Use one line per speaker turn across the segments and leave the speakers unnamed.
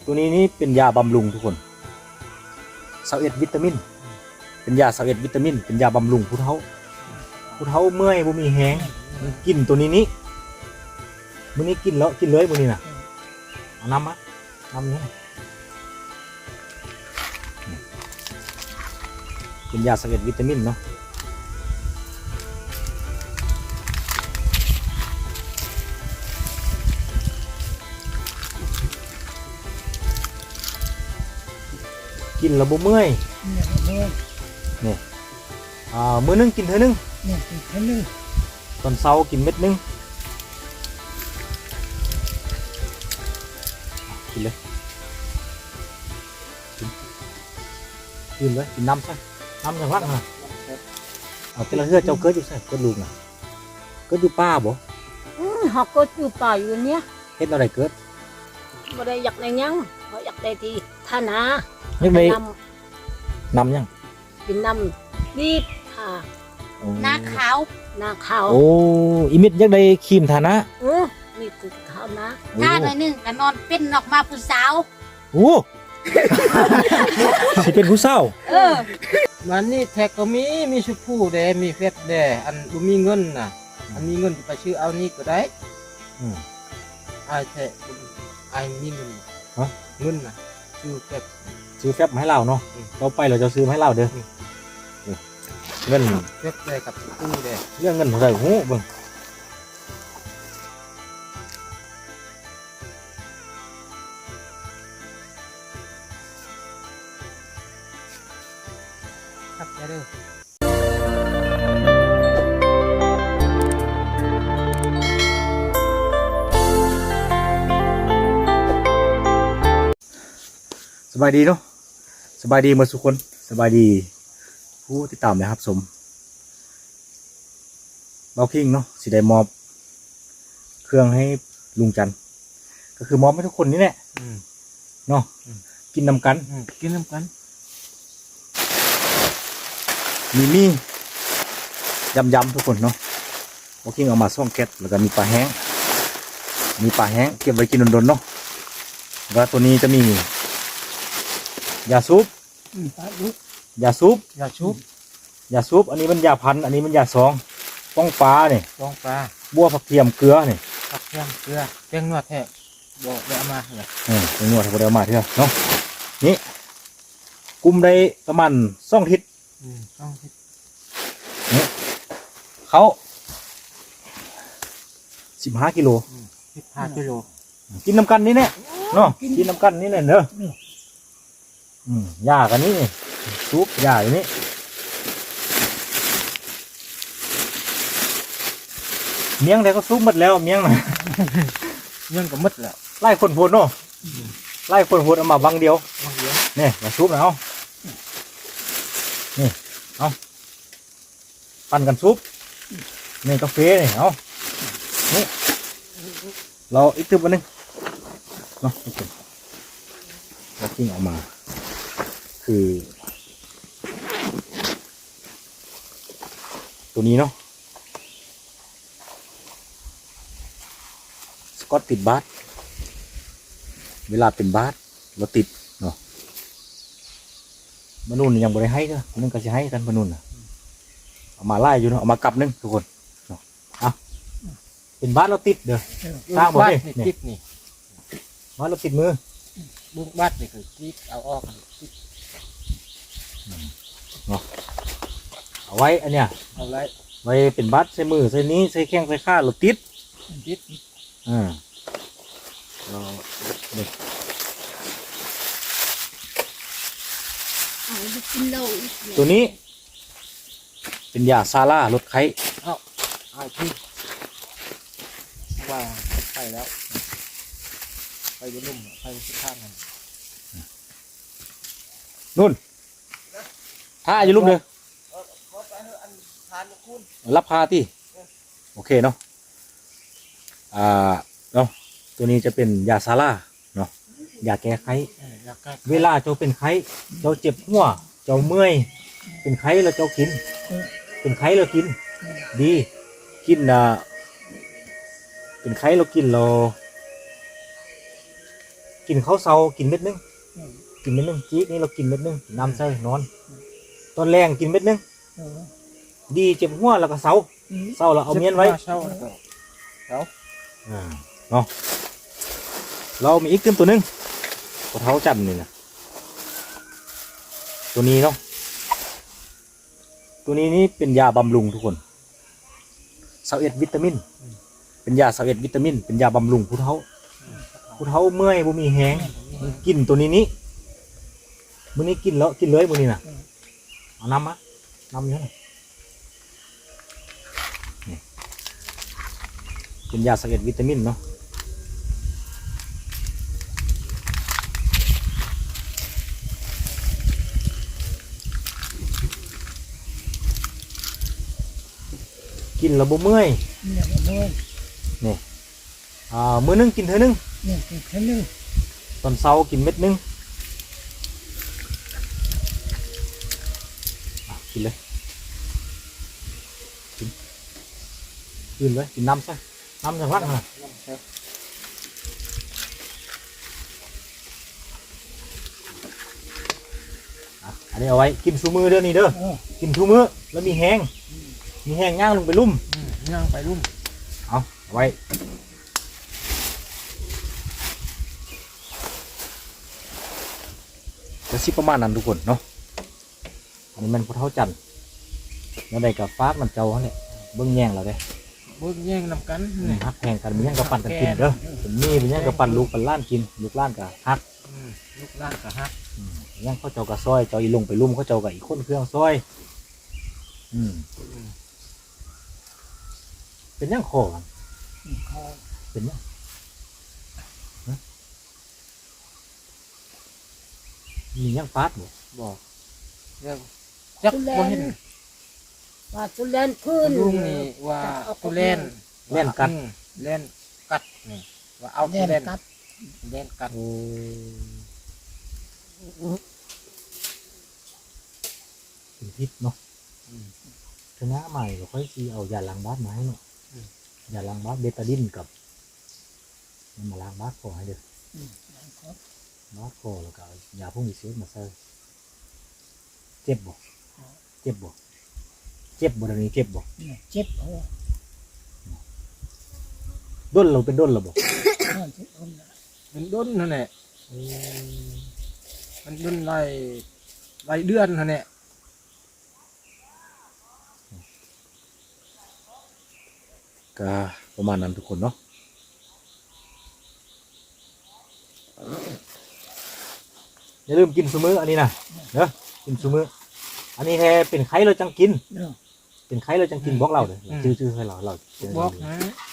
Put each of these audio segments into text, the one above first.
ตัวนี้นี่เป็นยาบำรุงทุกคน21วิตามินเป็นยา21วิตามินเป็นยาบำรุงผู้เฒ่าเมื่อยบ่มีแฮงกินตัวนี้มื้อนี้กินแล้วกินเลยมื้อนี้น่ะเอาน้ำมาน้ำนี้เป็นยา21วิตามินเนาะกินแล้วบ่เมื่อยนี่มื้อนึงกินเท่านึงตอนเช้ากินเม็ดนึงกินเลยกินเลยกินน้ำใช่น้ำอย่างรักนะเอาแต่ละเฮือเจ้าเกิดอยู่ใช่เกิดลูกนะเกิดอยู่ป้าบ่
họ có chụp bài rồi nhé
เฮ็ดอะไรเกิด
mà đây giặt này nhá họ giặt đây thì tha nà
ยังไม่
nằm
นำยัง
thì nằm đi thà
หน้าขาว
nà khảo
โอ้อีมิดยังได้ครีมทานะ
đi từ khảo ná
หน้าหน่อยหนึงก็นอนเป็นออกมาผู้สาว
โอ้สิเป็นผู้เศร้า
มันนี่แท็กก็มีชุดผู้เดมีเฟซเดอันดูมีเงินน่ะอันมีเงินไปชื่อเอานี่ก็ได้ไอ้แท็กไอ้มีเงินเงินน่ะชื่อเฟซ
ซื้อแฟบมาให้เราเนาะเราไปเราจะซื้อมาให้เราเด้อเงิน
เฟซเดกับชุดผู้เด
เรื่องเงินเท่าไหร่โอ้เบิ่ง
ครับเด้อ
สบายดีเนาะสบายดีหมดทุกคนสบายดีผู้ติดตามนะครับสมเบาคิงเนาะสิได้มอบเครื่องให้ลุงจันทร์ก็คือมอบให้ทุกคนนี่แหละเนาะกินนำกัน
กินน้ำกัน
มียำทุกคนเนาะเบาคิงเอามาซ่องแก๊สแล้วก็มีปลาแห้งเก็บไว้กินดนๆเนาะแล้วตัวนี้จะมียาซุปยาซุป
ยาชุบ
อันนี้มันยาพันธุ์อันนี้มันยาซองป้องปลาเนี่ย
ฟองปลา
บัวผักเทียมเกลือเนี่ย
ผักเทียมเกลือแป้งนวดแท้บอกได้เอามาเหรอ
เป็นนวดให้พวกเรามาเถอะเนาะนี่กุมได้ประมาณ2 ทิศ
ต้องคิด
เขา15 กิโล
15 กิโล
กินน้ำกันนี่แน่เนาะกินน้ำกันนี่แน่เนอะยากันนี่ซุปยาอย่างนี้เมียงแต่ก็ซุปหมดแล้วเมียงน่ะ
เงินก็หมดแล้ว
ไล่คนโพดเนาะไล่คนโพดเอามาบังเดียว
บางเดียว
นี่มาซุปนะเอานี่เอาปั่นกันซุปนี่กาแฟนี่เอานี่เราอีกตึบอันนึงเนาะโอเคเรากิ้งออกมาคือตัวนี้เนาะสกอตติดบาสเวลาเป็นบาสเราติดเนาะมนุษย์ยังบ่ได้ให้เด้อนึงก็จะให้กันมนุษย์น่ะเอามาไล่อยู่เนาะเอามากลับนึงทุกคนเนาะเอาเป็นบาสเราติดเด้อสร้างบ่
บ้าน
ได้
นี่
นี่
ติดนี่
บาสเราติดมือ
บุกบ้านนี่คือติดเอาออกติด
เอาไว้อันเนี้ย
เอาไร
ไว้เป็นบาสใส่มือใส่นี้ใส่แข้งใส่ขาเราติด
ติด
เราเนี่ย
เอาไปกินเหล้าอีก
ตัวนี้ เป็นยาซาร่าลดไข้
ไอ้ที่ว่าไปแล้วไปบนนุ่มไปที่ข้างกัน
นู่นท่าอยู่ลูกเด้อรับพาที่โอเคเนาะเนาะตัวนี้จะเป็นยาซาร่าเนาะยาแก้ไข้
อยากใกล้
เวลาเจ้าเป็นไข้เจ้าเจ็บหัวเจ้าเมื่อยเป็นไข้แล้วเจ้ากิน เป็นไข้แล้วกิน ดีกินเป็นไข้เรากินเรากินข้าวเช้ากินเม็ดนึงกินเม็ดนึงจี๊กนี่เรากินเม็ดนึงน้ำใส่นอนตอนแรงกินเม็ดนึงดีเจ็บหัวแล้วก็เช้าเราเอาเมียนไว้
เช้าเช้า
เนาะเรามีอีกเติมตัวนึงกระเท้าจันนี่นะตัวนี้เนาะตัวนี้นี่เป็นยาบำรุงทุกคน21วิตามินเป็นยา21วิตามินเป็นยาบำรุงผู้เฒ่าเมื่อยบ่มีแฮงกินตัวนี้มื้อนี้กินแล้วกินเลยมื้อนี้น่ะเอาน้ำมาน้ำอยู่นี่เป็นยา21วิตามินเนาะกินแล้วบ่เมื่อยนี่มื้อนึงกินเท่านึงตอนเช้ากินเม็ดนึงกินเลยกินเลยกินน้ำซะน้ำอย่างรักนะอันนี้เอาไว้กินชูมือเด้อนี่เด้อกินชูมือแล้วมีแห้งย่างลงไปลุ่ม
ย่างไปรุ่ม
เอาไว้จะสิประมาณนั้นทุกคนเนาะอันนี้มันพุทธจันทร์แล้วได้กับฟากมันเจ้าเนี่ยเบิ้งแย่งเราเด้
เบิ่งแย่งนำกันนี่
ฮักแข่งกันมีแย่งกับปั่นกันกินเด้อเป็นมีเป็นแย่งกับปั่นลูกปั่นล้านกินลูกล้านกับฮัก
ลูกหล้านก็ฮัก
แย่งเขาเจ้ากับซอยเจ้าอีลงไปลุ่มเขาเจ้ากับอีกคนเครื่องซอยเป็นย่างคอกันเป็นย่างมีย่างฟาดบ่
บอกเรื่องจักบ่เห็น
ว่าตุเล่นพื้น
ลุงนี่ว่าตุเล่น
เล่นกัด
เล่นกัดนี่ว่าเอาตุเล่นเล่นกัด
โอ้เป็นพิษเนาะชนะใหม่ก็ค่อยซีเอายาล้างบาสมาให้เนาะยาล้างบาสเบตาดินกับมันมาล้างบาสคอให้เด้อบาสคอแล้วก็เอายาพวกนี้เซฟมาใส่เจ็บบ่เดี๋ยวนี้เจ็บบ่
เจ็บหัว
ด้นเราเป็นด้นเราบ่
มันด้นนั่นแหละมันด้นรายเดือนนั่นแหละ
ก็ประมาณนั้นทุกคนเนาะอย่าลืมกินซุมื้ออันนี้นะเด้อกินซุมื้ออันนี้แท้เป็นไข้เราจังกินเป็นไข้เราจังกินบอกเราเด้อชื่อให้เรา
บอกนะ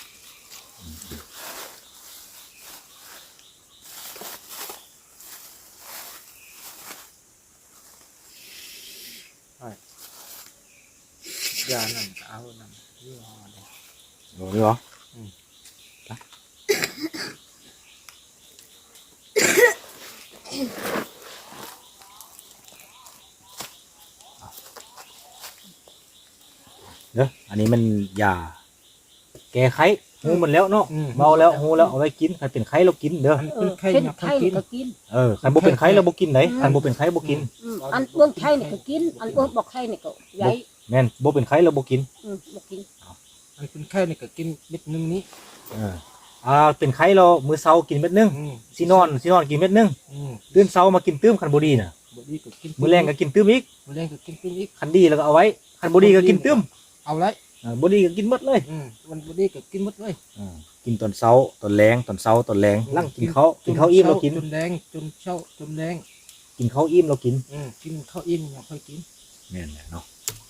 ยานั่นเอานั่นยี่ห้อนี้
โอ้ยเหรอเด้ออันนี้มันยาแก้ไข้หูมันแล้วเนาะเมาแล้วหูแล้วเอาไว้กินใครเป็นไข้เรากินเด้อ
เป็นไข้
เป็น
หนัก
ไข้
กิน
ก็กิน
ใครบ่เป็นไข้เราบ่กินไหนใครบ่เป็นไข้บ่กิน
อันเบื้องไข้นี่ก็กินอันเบื้องบอกไข้นี่ก็ใหญ่
แม่นบ่เป็นไข้เราบ่กิน
บอกกิน
อันเป็นไข้นี่ก็กินเม็ดนึงนี้
เป็นไข้เรามื้อเช้ากินเม็ดนึงสินอนกินเม็ดนึงตื่นเช้ามากินตื้มคันบ่ดีน่ะ
บดีก็กิน
มื้อแรงก็กินตื้มอีก
มื้อแรงก็กินปิ้งอีก
คันดีแล้วก็เอาไว้คันบ่ดีก็กินตื้ม
เอาไร
บ่ดีก็กินหมดเลย
มันบดีก็กินหมดเลย
กินตอนเช้าตอนแรงตอนเช้าตอนแรงลั่งกินข้าวอิ่มเรากิน
จนแดงจนเช้าจนแดง
กินข้าวอิ่มเรากิน
กินข้าวอิ่มยังค่อยกิน
แม่นแหละเนาะ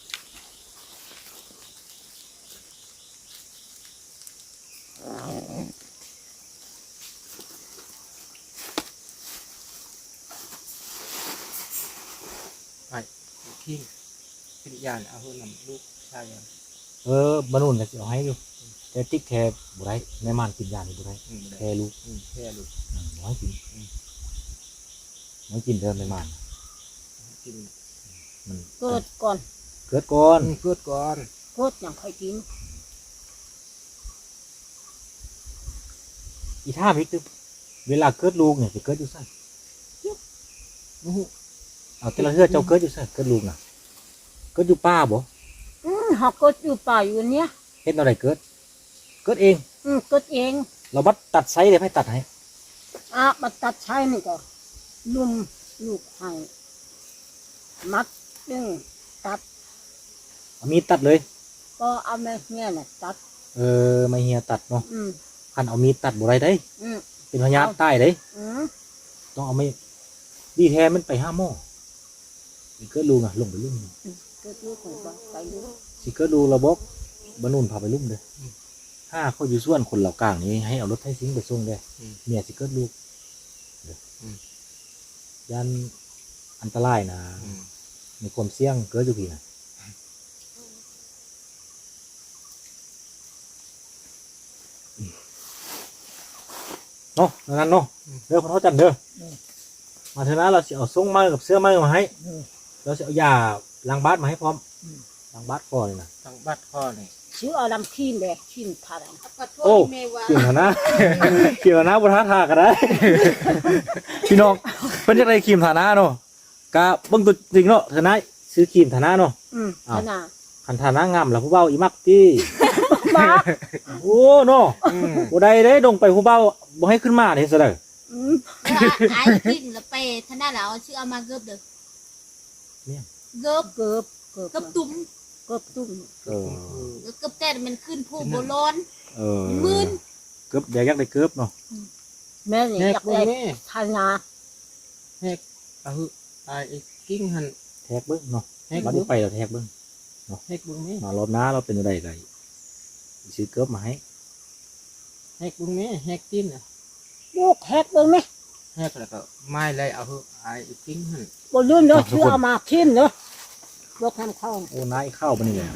ทิ้งเป็นยานเอาเพื่อนำลูกชายยัง
บรรนุนก็สิเอาให้อยู่แต่ติ๊กแค่บ่ได้แม่ม่านกินยานี่บ่ได้แค่ลูก
แค่ลูก
น้อยกินเด้อแม่ม่าน
กิน
มัน
เกิดก่อน
เกิดก่อน
เกิดก่อน
เกิดอย่างค่อยกิน
อีท่าพริกตึ๊บเวลาเกิดลูกเนี่ยสิเกิดอยู่ไสเอาแต่ละเฮือเจ้าเกิดอยู่ไสเกิดลูกน่ะเกิดอยู่ป่าบ่
เฮาก็อยู่ป่าอยู่เนี้ย
เฮ็ดแนวใดเกิดเกิดเอง
ก็เอง
เราบัดตัดไซส์ได้ให้ตัดให้
มาตัดใช้นี่ก็ลุ่มลูกให้มัดดึงตัด
เอามีดตัดเลย
ก็เอาแม่เนี่ยน่ะตัด
ไม่เฮียตัดเนาะ
อืม
คันเอามีดตัดบ่ได้เด้
อืม
เป็นพยานใต้เด้
อืม
ต้องเอาไม่ดีแท้มันไปห้าหม้อสิเกิดลูกน่ะลงไปลุ่ม
ก็ลูกของบ่ไปดู
สิเกิดลูกระบบบรรนุนพาไปลุ่มเด้อถ้าเขาอยู่ส่วนคนเหล่ากลางนี้ให้เอารถไถซิ่งไปส่งเด้เมียสิเกิดลูกเด้ยันอันตรายนะมีความเสี่ยงเกิดอยู่พี่นะเนาะงั้นเนาะเด้อคนเขาจันเด้อมาเถอะนะเราสิเอาส่งมากับเสื้อมาให้เราสิเอายาล้างบาดมาให้พร้อมล้างบาดคอเลยนะ
ทางบัดข้อนี่
ชื่อเอาลำขี้แม่ขี้ทารัง
ขอโทษ
โอ้
แม่ว่า
เกี่ยวนะ เกี่ยวนะบุทาทากันได้ พี่น้องเพิ่นจะได้ครีมฐานะเนาะกะเบิ่งตัวจริงเนาะฐานะซื้อครีมฐานะเนาะ
ขนาด
คันฐานะงามแล้วผู้เฒ่าอีมักติ
บ้า
โอ้เนาะบ่ได้เด้ดงไปผู้เฒ่าบ่ให้ขึ้นมาเด้ซะเด้อ
ไอ้กินแล้วไปท่านน่ะแล้วชื่อเอามาเกิบเด้อเกิบ
เกือบ
เกิบตุ้ม
เกือบตุ้ม
เออ
เกิบแต่มันขึ้นผู้โบร้อน
เออ
มื่น
เกือบอยากได้เกือบเนาะ
แม่นี่
แห
อก ยาก
เบิ่ง
ได้
แม่
ทานา
แหกเอาหือไอ้กิ้งหัน
แทกเบิ่งเนาะ
แหก
บัด
เบิ่
นี้
ง
ไปแล้วแทกเบิ่ง
แหกเบิ่งแม่
มารอบหน้าเราเป็นจังได๋ก็ซื้อเกือบมาให้
แหกเบิ่งแม่แหกตีนน่ะ
ลูกแฮกเบิ่งไหม
แหกแล้วก็ไม้เลยเอาหือไอ้กิ้งหัน
บ่ลืมเนาะชื่อเอามาขี้เนาะลูกทำเข้า
โอ้นายเข้าบ่นี่แหละ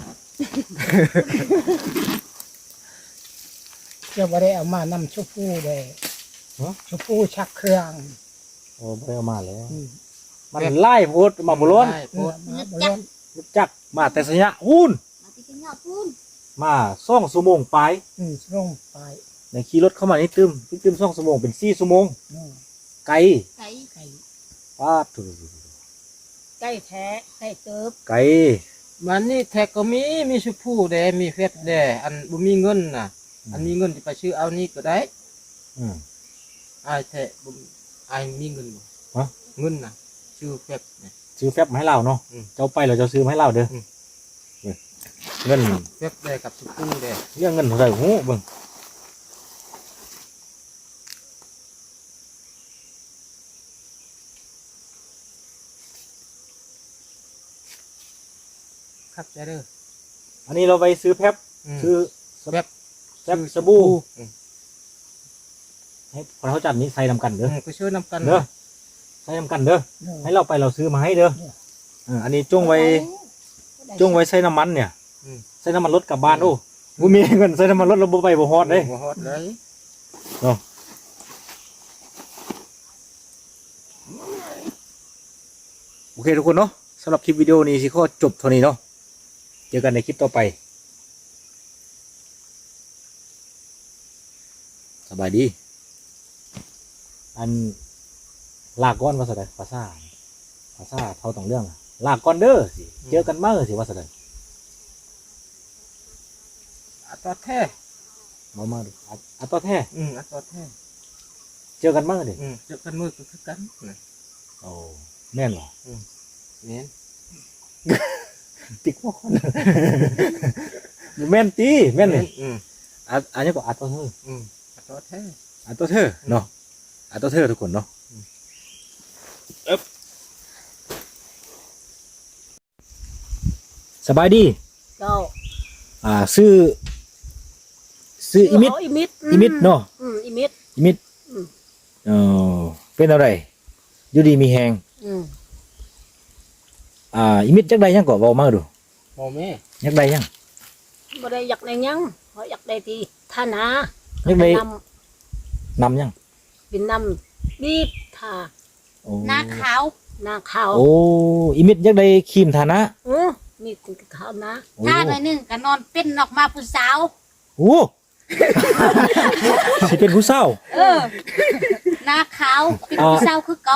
จะบ่ได้เอามานำชมพูเลยชมพูชักเครื่อง
โอ้บ่ได้เอามาแล้วมันไล่โพดมาบ่ล้น
ได้โพด
มาบ่ล้น
รู้จักมาแต่สัญญาหุ้น
มาที่กินเหล้าปูน
มา2ชั่วโมงไป
ลงไป
ในขี่รถเข้ามานี่ตึม2ชั่วโมงเป็น4ชั่วโมง
นู่น
ไกล
ไก่
ไก่
ปาดถู
ใกล้แท้ใกล้เติบ
ไกล
มันนี่แท็กก็มีชมพูแดมีเฟซแดอันบ่มีเงินน่ะ อันมีเงินที่ไปซื้อเอานี่ก็ได้
อืม
ไอ้แท้บ่ไอ้มีเงินบ่
ฮะ
เงินน่ะชื่อเฟซน่ะ
ซื้อแฟบมาให้เราเนาะ
อืม
เจ้าไปเราจะซื้อมาให้เราเด้ออ
ม
เงิน
เฟซแดกับชมพูแด
เรื่องเงินเท่าไหร่โอ้เบิ่ง
ครับใจเด้อ
อันนี้เราไปซื้อแฟบ
อืม
ซื้อ
แฟบ
แฟบสบู่
อืม
ให้พอเขาจัดนี้ใส่นำกันเด้อ
ก็ช่วยนำกัน
เด้อใส่นำกันเด้อ
นู่น
ให้เราไปเราซื้อมาให้เด้ออันนี้จงไว้ใส่น้ำมันเนี่ยใส่น้ำมันรถกลับบ้านโอ้บ่มีเงินใส่น้ำมันรถเราบ่ไปบ่ฮอดเด้
บ่ฮอดเลย
โอเคทุกคนเนาะสำหรับคลิปวิดีโอนี้สิขอจบเท่านี้เนาะเจอกันในคลิปต่อไปสบายดีอันลากก้อนว่าสะใดภาษาเท่าต่างเรื่องอะลากก้อนเด้อสิเจอกันมาสิว่าสะใด
อัตราแท้
มาดูอัตต่อแท้
อัตราแท้
เจอกันมาดิ
เจอกันมือก็คือกันน่ะ
โอ้แม่นเหรอ
แม่น
ติ๊กว่าคน แม่นตีแม่นเลย
อืม
อันนี้ก็อัตต่อเธอ
อัตราแท้
อัตต่อเธอเนาะอัตต่อเธอทุกคนเนาะสบายดี
เจ้า
ซื้ออิมิด
อิมิด
อิมิดเนาะ
อิมิด
อิมิด
อืม
เป็นอะไรอยู่ดีมีแหงอิมิดจักใดยังก็เว้ามาดู
บ่แม่
จักใดยัง
บ่ได้อยากได้หยังเพราะอยากได้ที่ทานา
อยากได้
น
นำยัง
ำเป็นนำบีบทา
โอ้
หน้าขาว
หน้าขาว
โอ้อิมิดจักใดครีมฐานะ
มีถึงขาวนะ
โอ้
ถ้าหน่อยหนึงก็นอนเป็นออกมาผู้สาว
โอ้สิเป็นผู้เศร้า
หน้าขาวเป็นผู้สาวคือเก่า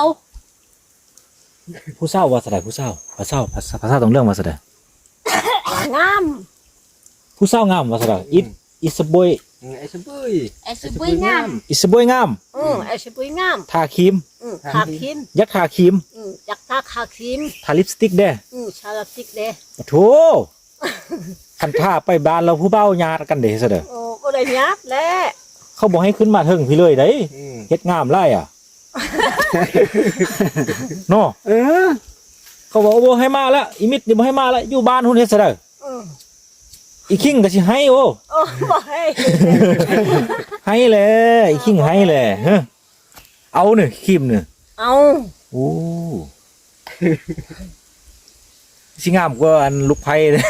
ผู้เศร้าว่าสะใดผู้เศร้าภาษาภาษาต้องเรื่องว่าสะใด
งาม
ผู้เศร้างามว่าสะใดอิสบอย
ไอ้สบุย
ไอ้สุบุยงาม
อิสบอยงาม
ไอ้สิปุยงาม
ทาครีม
ทาครีม
ยักทาครีม
จักทาคาครีม
ทาลิปสติกเด้
ชาลาติกเด้
โถคันท่าไปบ้านเราผู้เบ้าญาติกันเด้ซะเด้อ
โอ้ก็ได้ยับแล้ว
เขาบอกให้ขึ้นมาเทิงพี่เลยเด้เฮ็ดงามไล่อ่ะเนาะเขาบอกว่าบ่ให้มาแล้วอีมิดนี่บ่ให้มาแล้วอยู่บ้านหุ่นเฮ็ดซะเด้ออีคิงก็สิให้โอ้
โอ้บ่ให้
ให้แหละอีคิงให้แหละเฮ้อเอาเนี่ยครีมเนี่ย
เอา
โอ้สิงามกว่าอันลูกไผ่เลย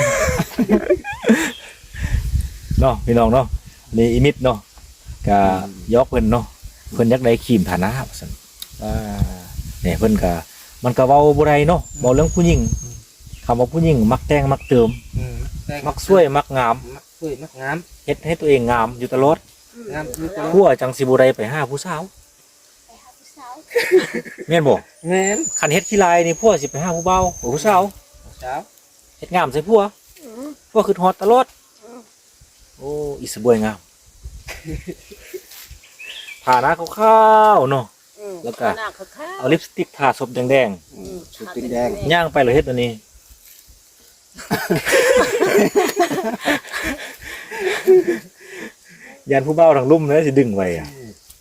เนาะพี่น้องเนาะนี่อีมิดเนาะก็ยกเพิ่นเนาะเพิ่นอยากได้ครีมฐานะว่าซั่นเนี่ยเพิ่นก็มันก็เว้าบ่ได้เนาะเว้าเรื่องผู้หญิงคำว่าผู้หญิงมักแต่งมักเติมมักสวยมักงาม
มักสวยมักงาม
เฮ็ดให้ตัวเองงามอยู่ตลอด
งามอยู่ตลอด
ผัวจังสิบ่ได้ไปหาผู้สาว
ไปหาผู้สาว
แม่นบ่
แม่น
คันเฮ็ดขี้ลายนี่ผัวสิไปหาผู้เบาผู้สาว
เช้า
เฮ็ดงามใส่ผัวผัวคือฮอดตลอดโอ้อีสบวยงามทาหน้าขาวๆเนาะ แล้วก็
หน้าขาว
เอาลิปสติกทาศพแดง
สุดติงแดง
ๆย่างไปเลยเฮ็ดอันนี้ ยันผู้เบาทางลุ่มเลยสิดึงไว้อะ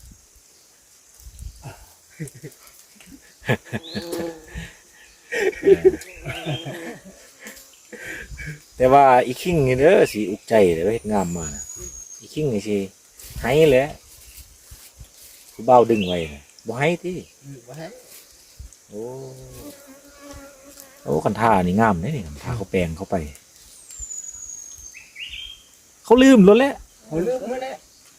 แต่ว่าอีคิงนี่เด้อสิอุกใจเด้อเฮ็ดงามมานะอีคิงนี่สิให้แหละผู้เบาดึงไว้นะบ่ให้ติ
บ่ให้
โอ้คันท่านี่งามเด้นี่คันท่าเขาแปลงเข้าไป เขาลืมแล้วแหละ
เขาเลือกมาแล้ว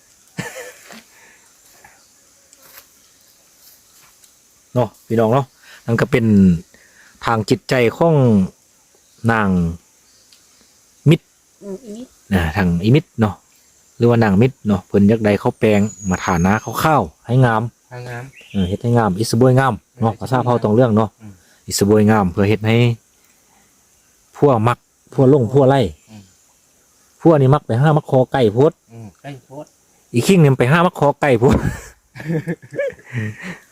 เนาะพี่น้องเนาะนั่นก็เป็นทางจิตใจของนางมิตร
อีนี่
ทางอิมิตรเนาะหรือว่านางมิตรเนาะเพิ่นอยากได้เขาแปลงมาฐานะข้าวๆให้งาม
ทางงาม
เฮ็ดให้งามอิสบวยงามเนาะภาษาเผ่าตรงเรื่องเนาะอิสบวยงามเพื่อเฮ็ดให้พวกมักพวกลงพวกไล่พวกนี้มักไปห้ามักคอไก่โพด
ใกล้โพด
อีคิงเนี่ยไปห้ามักคอไก่โพด